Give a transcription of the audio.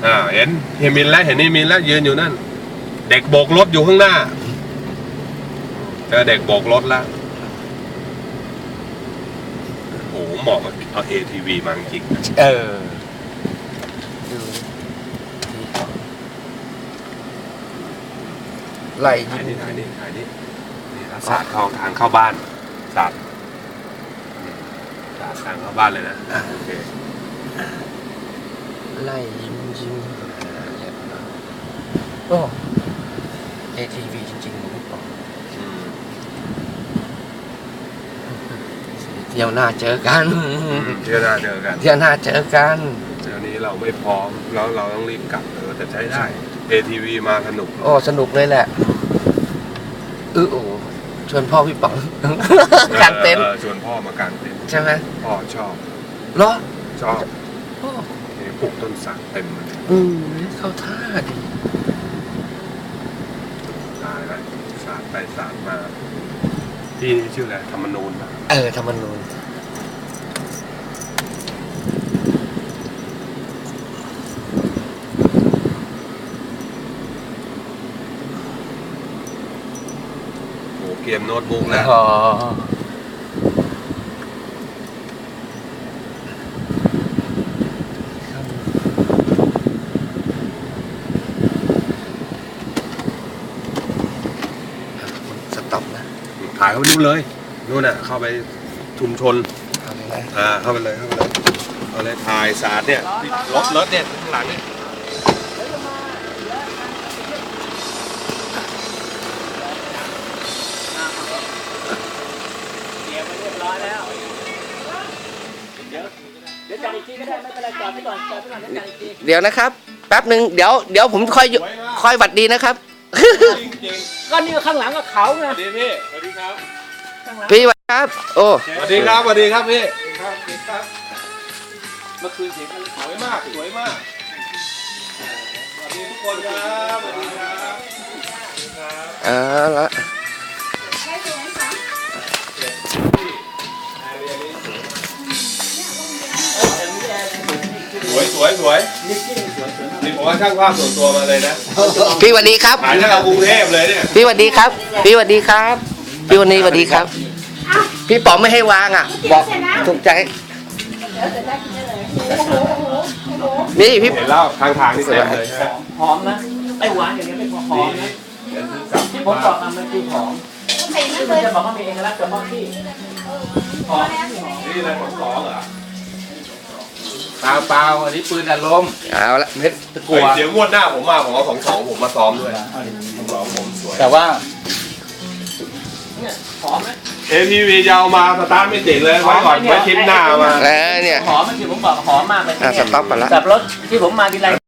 เห็นเฮมินแล้วเห็นนี่มินแล้วยืนอยู่นั่นเด็กโบกรถอยู่ข้างหน้าเจอเด็กโบกรถแล้วโอ้เหมาะกับเอา ATV มาจริงดูไล่ถ่ายนี่สาดเข้าทางเข้าบ้านสาดทางเข้าบ้านเลยนะโอเคไล่ยิงโอ้ ATV จริงๆผมบอกเที่ยวหน้าเจอกันเที่ยวหน้าเจอกันเที่ยวนี้เราไม่พร้อมแล้วเราต้องรีบกลับแต่ใช้ได้ ATV มาสนุกโอ้สนุกเลยแหละโอ้ชวนพ่อพี่ป๋องกางเต็นท์ชวนพ่มากางเต็นท์ใช่ไหมพ่อชอบเหรอชอบปลูกต้นสักเต็มเลยเข้าท่าดีตายแล้วสาดไปสาดมาที่นี่ชื่ออะไรธรรมนูญธรรมนูญเกมโน้ตบุ๊กนะสต็อปนะถ่ายเข้าไปนู่นเลยนู่นน่ะเข้าไปชุมชนเข้าไปเลยเอาเลยถ่ายสาดเนี่ยรถเนี่ยข้างหลังเนี่ยเดี๋ยวนะครับแป๊บหนึ่งเดี๋ยวผมค่อยหวัดดีนะครับก็นี่ข้างหลังก็เขาไงสวัสดีพี่สวัสดีครับพี่สวัสดีครับโอ้สวัสดีครับพี่เมื่อคืนเสียงสวยมากสวัสดีทุกคนครับสวัสดีครับละสวยนี่ผมว่าช่างภาพส่วนตัวมาเลยนะพี่สวัสดีครับถ่ายจากกรุงเทพเลยเนี่ยพี่สวัสดีครับพี่วันนี้สวัสดีครับพี่ป๋องไม่ให้วางบอกถูกใจนี่พี่เห็นแล้วทางนี่เต็มเลยหอมนะไอ้หวานอย่างเงี้ยไม่พอหอมนะที่ผมบอกมันคือหอมที่มันจะบอกว่ามีเอกลักษณ์เฉพาะที่หอมนี่อะไรของของเหรอเปล่าอันนี้ปืนอารมณ์เอาละเม็ดกลัวเดี๋ยวงวดหน้าผมมาผมเอาของผมมาซ้อมด้วยผมสวยแต่ว่าเนี่ยหอมไหม ATV ยาวมาสตาร์ทไม่ติดเลยไว้ก่อนไว้ทิปหน้ามาเนี่ยหอมมันคือผมบอกหอมมากเลยสต็อปก่อนละกับรถที่ผมมาทีไร